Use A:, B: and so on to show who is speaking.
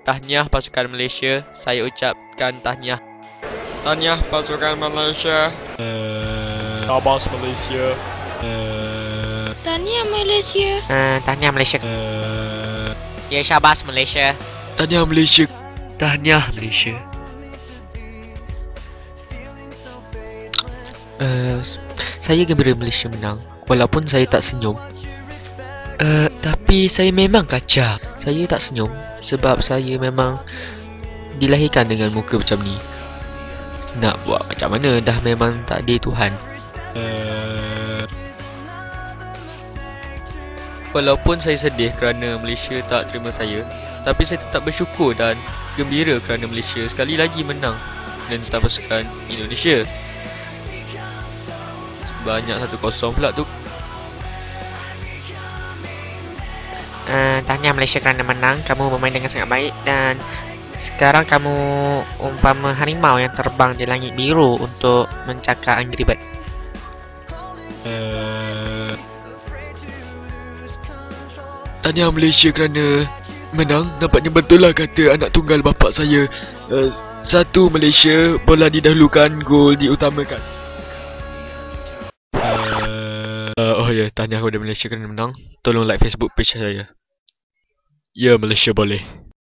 A: Tahniah pasukan Malaysia. Saya ucapkan tahniah. Tahniah pasukan Malaysia.
B: Syabas Malaysia.
C: Tahniah Malaysia.
A: Tahniah Malaysia. Ya, syabas Malaysia.
B: Tahniah Malaysia.
A: Tahniah Malaysia. Saya gembira Malaysia menang. Walaupun saya tak senyum. Tapi saya memang kacau. Saya tak senyum sebab saya memang dilahirkan dengan muka macam ni. Nak buat macam mana, dah memang takdir Tuhan. Walaupun saya sedih kerana Malaysia tak terima saya, tapi saya tetap bersyukur dan gembira kerana Malaysia sekali lagi menang menentang pasukan Indonesia. Sebanyak 1-0 pula tu. Tahniah Malaysia kerana menang. Kamu bermain dengan sangat baik dan sekarang kamu umpama harimau yang terbang di langit biru untuk mencakar Angry Bird.
B: Tahniah Malaysia kerana menang. Nampaknya betul lah kata anak tunggal bapa saya. Satu Malaysia, bola didahulukan, gol diutamakan. Oh ya, tahniah kepada Malaysia kerana menang. Tolong like Facebook page saya. Ya, Malaysia boleh.